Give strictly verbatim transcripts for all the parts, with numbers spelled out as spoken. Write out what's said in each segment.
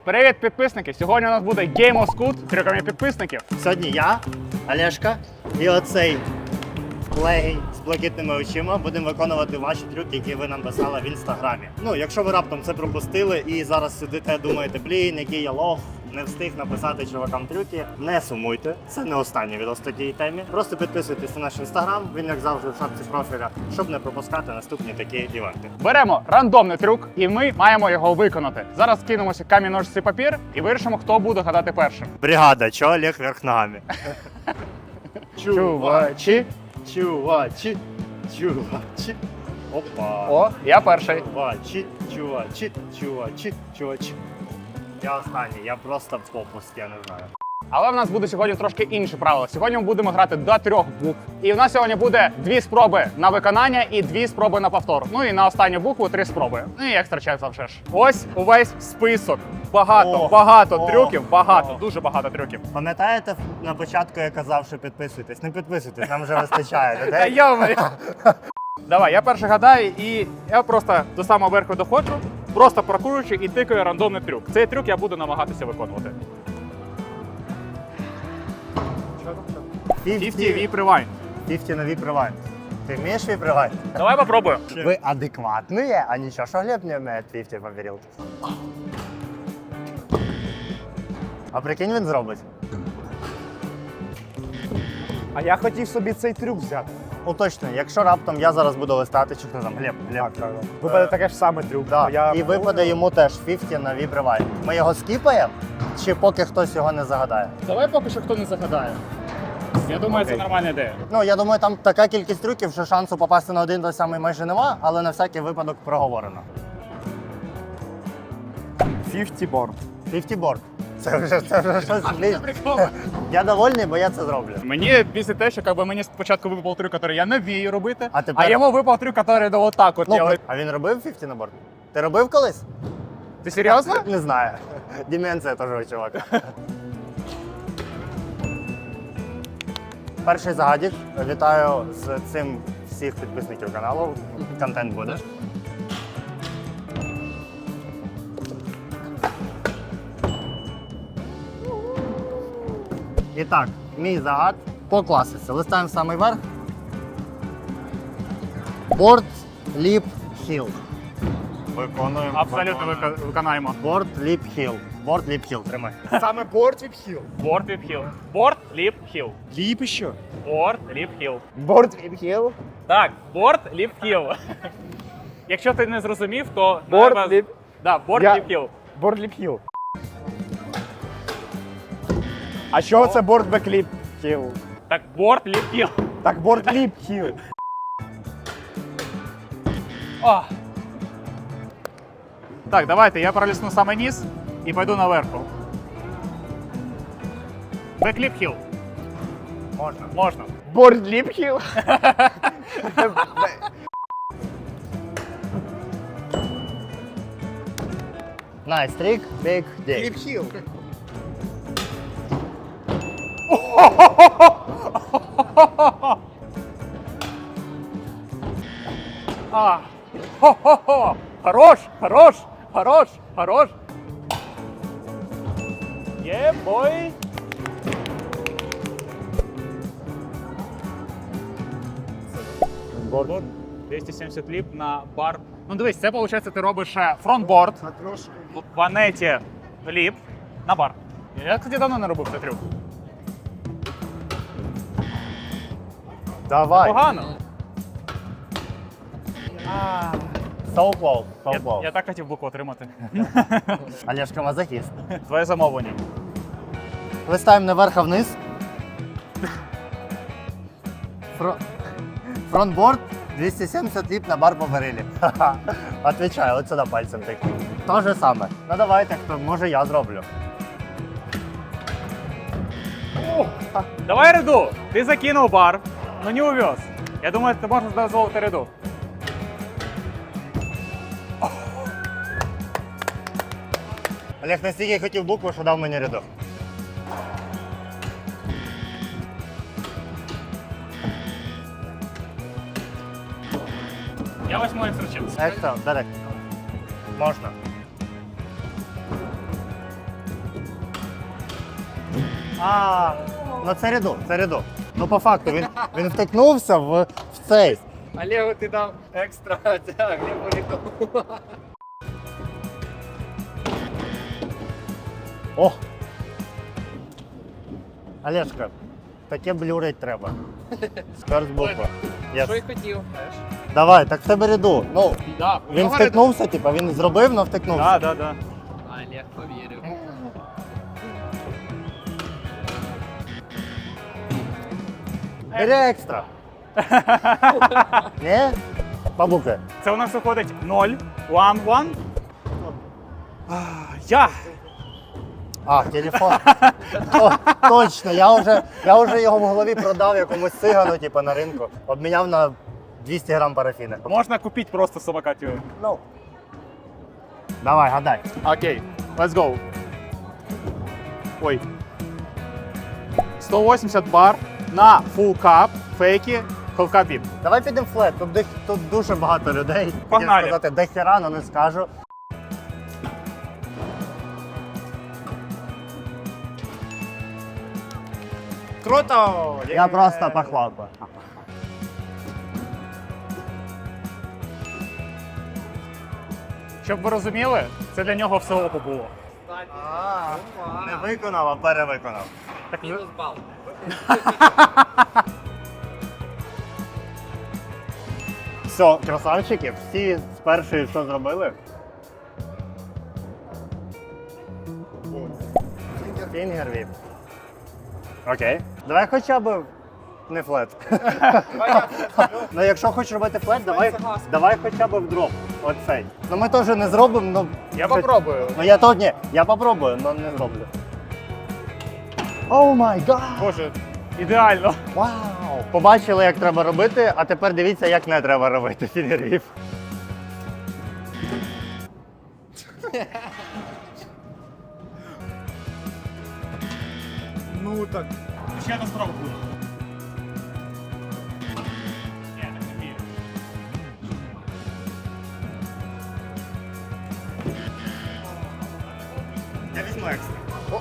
Привіт, підписники! Сьогодні у нас буде Game of Scoot з трюками підписників. Сьогодні я, Олешка і оцей легінь з блакитними очима будемо виконувати ваші трюки, які ви нам писали в інстаграмі. Ну, якщо ви раптом це пропустили і зараз сидите, думаєте, блін, який я лох, не встиг написати чувакам трюки, не сумуйте, це не останній відео з тієї темі. Просто підписуйтесь на наш інстаграм, він як завжди в шапці профіля, щоб не пропускати наступні такі івенти. Беремо рандомний трюк і ми маємо його виконати. Зараз кинемося камінь, ножиці, папір і вирішимо, хто буде гадати першим. Бригада, чо Олег вверх ногами? Чувачі. Чувачі, чувачі. Опа. О, я перший. Чувачі, чувачі, чувачі, чувачі. Я останній, я просто попуск, я не знаю. Але в нас буде сьогодні трошки інші правила. Сьогодні ми будемо грати до трьох букв. І в нас сьогодні буде дві спроби на виконання і дві спроби на повтор. Ну і на останню букву три спроби. Ну і екстра час завжди ж. Ось увесь список. Багато, О, багато о, трюків, багато, о. дуже багато трюків. Пам'ятаєте, на початку я казав, що підписуйтесь? Не підписуйтесь, нам вже вистачає. Та людей. йомай! Давай, я перший гадаю, і я просто до самого верху доходжу, просто прокручую і тикаю рандомний трюк. Цей трюк я буду намагатися виконувати. п'ятдесят віп rewind. п'ятдесят на віп-ревайн. Ти вмієш віп-ревайн? Давай попробую. Ви адекватні, а нічого, що Глеб не вміє п'ятдесят повірив. А прикинь, він зробить. А я хотів собі цей трюк взяти. Уточнюю, якщо раптом я зараз буду листати, чи хто там, Глеб, Глеб. Випаде таке ж саме трюк. Да. Я... І випаде йому теж п'ятдесят на віп-ревайн. Ми його скіпаємо, чи поки хтось його не загадає? Давай поки що хто не загадає. Я думаю, Окей. це нормальна ідея. Ну, я думаю, там така кількість трюків, що шансу попасти на один той самий майже нема, але на всякий випадок проговорено. п'ятдесят борт. п'ятдесят борт. Це вже, це вже щось. Блін. Я довольний, бо я це зроблю. Мені після те, що якби, мені спочатку випав трюк, який я не вмію робити, А тепер- а йому випав трюк, який до отак от Ну, делає. а він робив п'ятдесят на борт? Ти робив колись? Ти серйозно? Не знаю. Деменція теж у чувака. Перший загадік. Вітаю з цим всіх підписників каналу. Контент буде. І так, мій загад по класиці. Листаємо в самий верх. Board, lip, heel. Виконуємо. Абсолютно вика- виконаємо. Board, lip, heel. Board, lip, heel. Тримай. Саме борт віп-хіл. Борт, ліп, хіл. Борт, ліп, хіл. Ліп що? Борт, ліп, хіл. Борт віп-хіл. Так, борт, ліп, хіл. Якщо ти не зрозумів, то... Борт, треба- ліп. Да, борт, Я- ліп, хіл. Борт ліп-хіл. А що це борт бекліп хіл? Так, борт, ліп, хіл. Так борт ліп-хіл. О. Так, давайте, я пролісну саме низ і пойду наверху. Бекліп хіл. Можна. Можна. Борт ліп-хіл. Nice trick, big dick. Ліп-хіл. А. Хо-хо-хо. Хорош, хорош, хорош, хорош. Є, бой. Борт. двісті сімдесят ліп на бар. Ну дивись, це виходить, ти робиш е, фронтборд, в планеті ліп на бар. Я, кстати, давно не робив цей трюк. Давай. Погано. So close, so Я, close. я так хотів букву отримати. Олешка мазохіст. Твоє замовлення. Листаємо наверх, а вниз. Фро... Фронтборд двісті сімдесят ліп на бар по барилі. Ха-ха. Отвічаю, от сюди пальцем так. То же саме. Ну давайте, хто, може я зроблю. Давай ряду. Ти закинув бар, но не увез. Я думаю, ти можеш дозволити ряду. Олег настільки хотів букву, що дав мені рядок. Я візьму інструченці. Екстра, директ. Можна. А, ну це ряду, це ряду. Ну по факту він, він втикнувся в, в цей. Олегу ти дав екстра, а Глебу не дав. О! Олежка, таке блюрить треба. Скарс буква. Yes. Що й хотів. Давай, так в тебе ряду. Ну, Да, він втикнувся, типа, він зробив, але втикнувся. Так, так, так. Олег повірив. Бери екстра. Ні? Бабука. Це у нас виходить ноль, один, один. Я. А, телефон. О, точно, я вже, я вже його в голові продав якомусь цигану, типу, на ринку. Обміняв на двісті грам парафіни. Можна купити просто самокат його. Ну. Давай, гадай. Окей, let's go. Ой. сто вісімдесят бар на full cup, фейки, half cup VIP. Давай підемо флет, тут, дих- тут дуже багато людей. Хотів Погнали. сказати, де хера, але не скажу. Круто! Я просто похлопаю. Щоб ви розуміли, це для нього все око було. А, не виконав, а перевиконав. Мінус бал. Все, красавчики, всі з першої що зробили? Фінгер віп. Окей. Давай хоча б не флет. Ну якщо хочеш робити флет, давай, давай хоча б в дроп. Оцей. Ну ми теж не зробимо, ну. Я попробую. Ну я то ні, я попробую, але не зроблю. О май гад! Боже, ідеально. Вау! Побачили, як треба робити, а тепер дивіться, як не треба робити фінгер-віп. Ну так. Ще одна спроба буде. Ні, так не вмію. Я візьму екстра.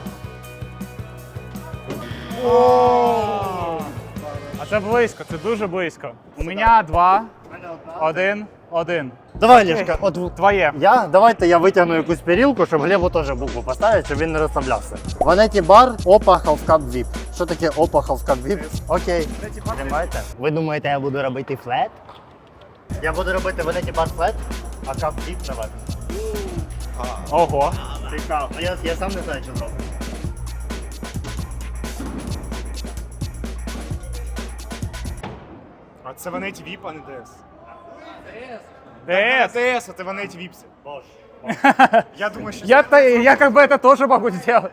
А це близько, це дуже близько. У мене два, один, один. Давай, Лешка, от Твоє. я, давайте я витягну якусь перілку, щоб Глебу теж букву поставити, щоб він не розслаблявся. Ванеті бар, опа, халфкап віп. Що таке опа, халфкап віп? Окей. Тримайте. Ви думаєте, я буду робити флет? Я буду робити ванеті бар флет, а кап віп давати. Ого. Цікаво. А я, я сам не знаю, що зробити. А це ванеті віп, а не ДС. ДС. ДС, а ти ванеті віпси. Боже. Я думаю, що Я, та- я как бы это тоже могу сделать.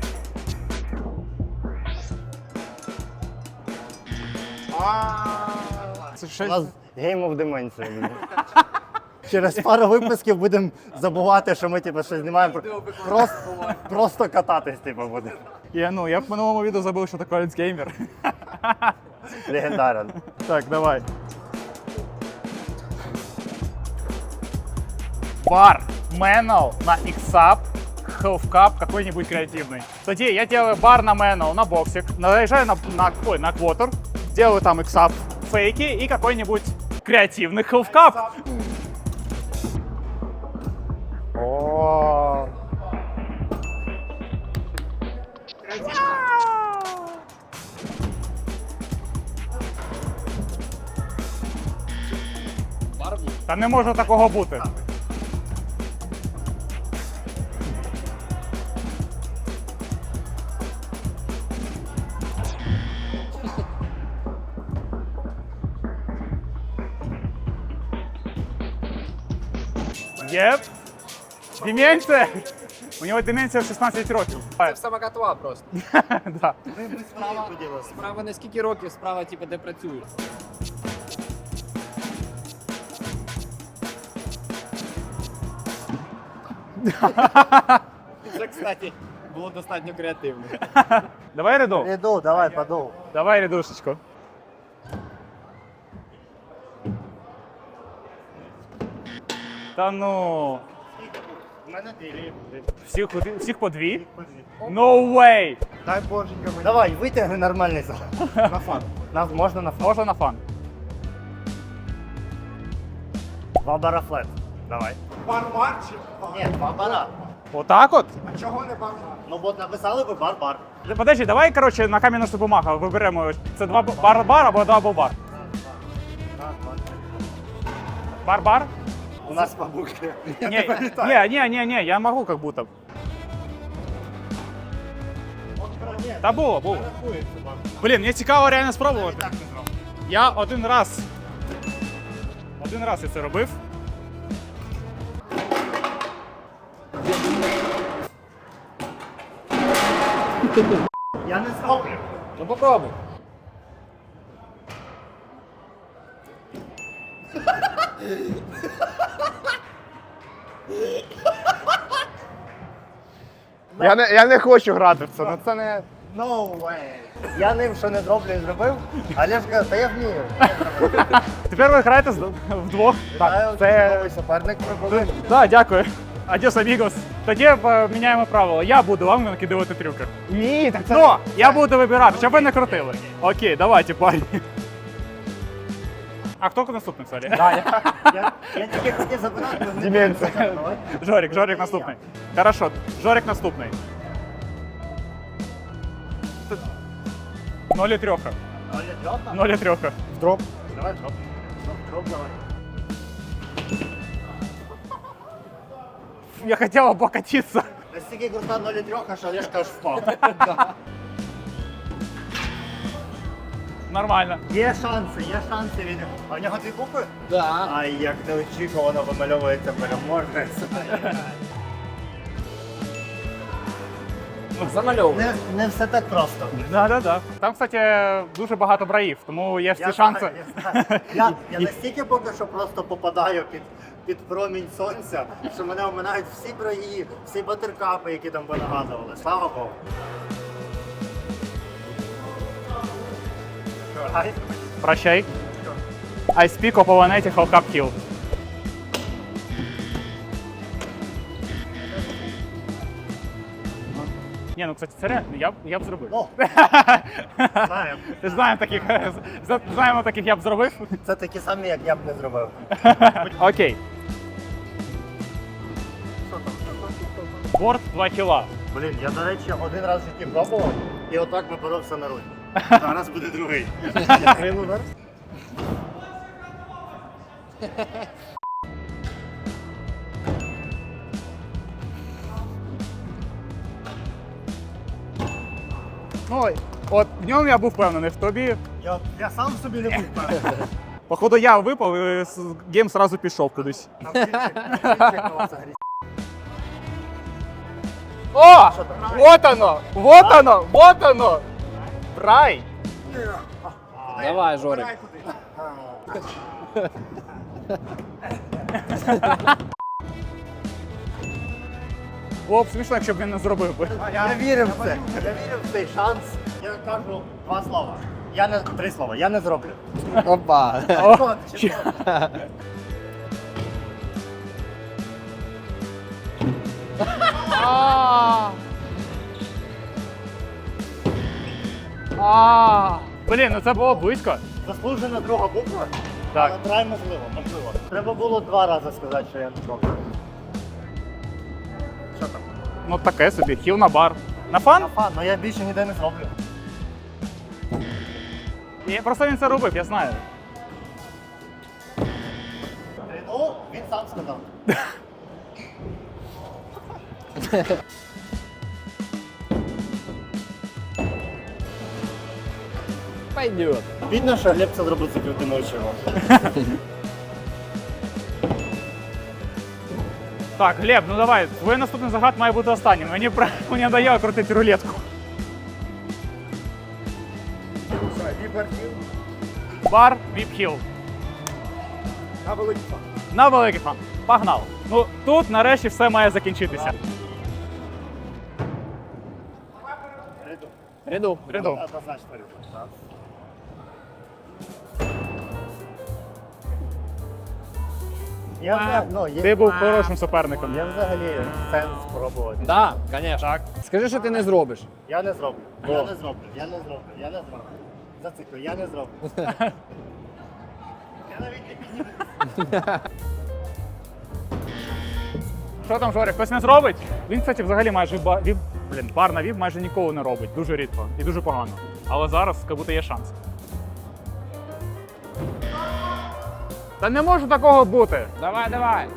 Це У щось... нас Game of Dementia буде. Через пару випусків будемо забувати, що ми типу, щось знімаємо. Просто, просто кататись типу, будемо. Я, ну, я в минулому відео забув, що таке альцгеймер. Легендарен. Так, давай. Бар, Manual на X-Up, Half Cup какой-нибудь креативный. Тоді я делаю бар на Manual, на боксик, наезжаю на, на, ой, на Quarter, делаю там X-Up фейки и какой-нибудь креативный Half Cup. О, Барбу. Та не може такого бути. Єп. Деменція. У нього деменція в шістнадцять років. Це в самокатова просто. Да. Справа, справа не скільки років, справа, типу, де працюєш. Це, кстати, було достатньо креативно. Давай ряду. іду, давай, подув. Давай рядушечку. Та ну. У мене дві. Всіх, всіх по дві? No way! Дай боженька мені. Давай, витягни нормальний зал. На фан. Нас можна на фон. Можна на фан. Два бара флет. Давай. Бар-бар чи? Ні, два бара. Отак от? А чого не бар-бар? Ну, от написали ви бар-бар. Подожди, давай, коротше, на камінь носу бумага виберемо. Це два бар-бар або два бар. Бар-бар? У нас бабуки. Не, не, не, не, не, я могу как будто. Та було, було. Блін, мені цікаво реально спробувати. Я один раз. Один раз я це робив. Я не зроблю. Ну попробуй. Я не, я не хочу грати в це, ну це не... No way. Я ним що не зроблю і зробив, а Леш каже, та я вмію. Тепер ви граєте з- вдвох. Так, це. Новий суперник прибули. Так, дякую. Адіос, амігос. Тоді е, міняємо правила. Я буду вам накидувати трюки. Ні, так це... Ну, я буду вибирати, щоб ви не крутили. Окей, давайте, парні. А хто наступний, сорі? Я, я тільки хотів забирати. але не Деменція. хотів. Давай. Жорик, Жорик наступний. Хорошо, Жорик наступний. Ноль і трьоха. Оля, дроп нам? Ноль і трьоха. Дроп. Давай дроп. Дроп, дроп, давай. Я хотів облокотитися. Настільки крута ноль трьох, що Олешка аж впав. Нормально. Є шанси, є шанси від... А в нього дві букви? Да. Ай, як неочікувано вимальовується переможець. Замальовуй. Не, не все так просто. Да, да, да. Там, кстати, дуже багато браїв, тому є всі шанси. знаю, я, знаю. я, я настільки поки що просто попадаю під, під промінь сонця, що мене оминають всі браї, всі батеркапи, які там ви нагадували. Слава Богу. Ай, Прощай. I speak of Ованеті Hellcap Kill. Ні, ну, кстати, це реально, я, б- я б зробив. Ну, знаємо. Ти знаємо таких, з- знаємо таких я б зробив. Це такі самі, як я б не зробив. Окей. Борт два кіла. Блін, я, до речі, один раз в житті пробував, і отак напоровся на руль. Зараз буде другий. Крилу вверх. Ну, от в ньому я був впевнений, в тобі. Я, я сам собі не був певний. Походу я випав і с- гейм сразу пішов кудись. Там кінчик, кінчик у вас агресивний. О! Вот оно! Вот оно! Вот оно! Брай! Давай, Жорик. Було б смішно, якщо б він не зробив би. Я вірив в це. Я вірив в цей шанс. Я кажу два слова. Я не три слова. Я не зроблю. Опа. О, Чи що? А. А. Блін, ну це було близько. Заслужена друга буква. Так. Але трай можливо, можливо. Треба було два рази сказати, що я не зроблю. Що там? Ну таке собі, хіл на бар. На фан? Фан, ну я більше ніде не зроблю. Я просто він це робив, я знаю. Ну, він сам сказав. Пойдет. Видно, що Глеб це зробив закритими очима. Так, Глеб, ну давай, твій наступний загад має бути останнім. Мені про- мені надоело крутити рулетку. Бар, віп-хіл. На великий фан. На великий фан. Погнали. Ну тут нарешті все має закінчитися. Ряду. Ряду. Ряду. Однозначно ряду. Так. Я взагалі, ну, є, Ти був хорошим суперником. є взагалі сенс спробувати. Так, звісно. Так. Скажи, що ти не зробиш. Я не зроблю. Я не зроблю. Я не зроблю. Я не зроблю. Зациклю, я не зроблю. Я навіть не підніму. Що там, Жорик, хтось не зробить? Він, кстати, взагалі майже ба... він, блін, бар на віп майже ніколи не робить. Дуже рідко і дуже погано. Але зараз, як будто є шанс. Та не може такого бути. Давай, давай.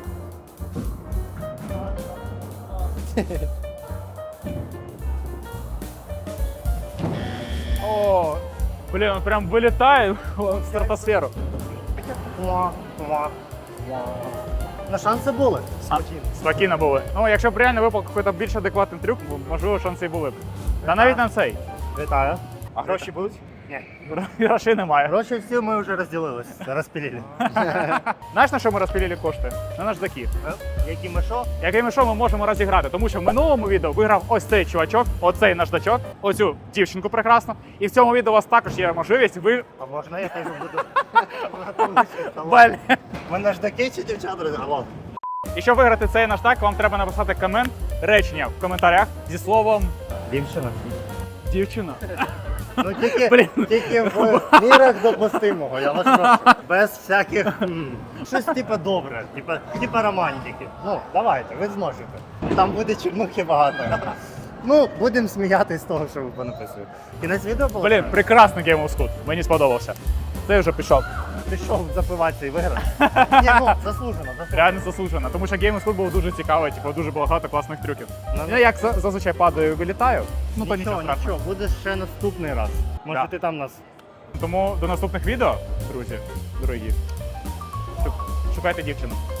О, блін, він прям вилітає в стратосферу. Муа, муа, муа. Ну, шанси були. А, спокійно були. Ну, якщо б реально випав якийсь більш адекватний трюк, можливо, шанси і були б. Та навіть на цей. Вітаю. А гроші будуть? Ні. Грошей немає. Гроші всі ми вже розділились, розпілили. Знаєш, на що ми розпілили кошти? На наждаки. Які ми що? Якими що ми можемо розіграти? Тому що в минулому відео виграв ось цей чувачок, оцей наждачок, оцю дівчинку прекрасну. І в цьому відео у вас також є можливість ви. А можна я теж буду? Блін. Ми наждаки чи дівчата розіграли? І щоб виграти цей наждак, вам треба написати комент, речення в коментарях зі словом Дівчина. дівчина. Ну тільки, Блін. тільки в мірах допустимого, я вас прошу. Без всяких. м, Щось типу добре, типу, типу романтики. Ну, давайте, ви зможете. Там буде чорнухи багато. Ну, будемо сміятися з того, що ви понаписуєте. Кінець відео було? Блін, прекрасний Game of Scoot. Мені сподобався. Цей вже пішов. Пішов запиватися і виграв. Ні, ну, заслужено, заслужено. Реально заслужено. Тому що Game of Scoot був дуже цікавий, типу, дуже багато класних трюків. Ну, Я як за- зазвичай падаю і вилітаю, ну то нічого Нічого, страшного. нічого, буде ще наступний раз. Може Да. ти там нас. Тому до наступних відео, друзі, дорогі. Шукайте дівчину.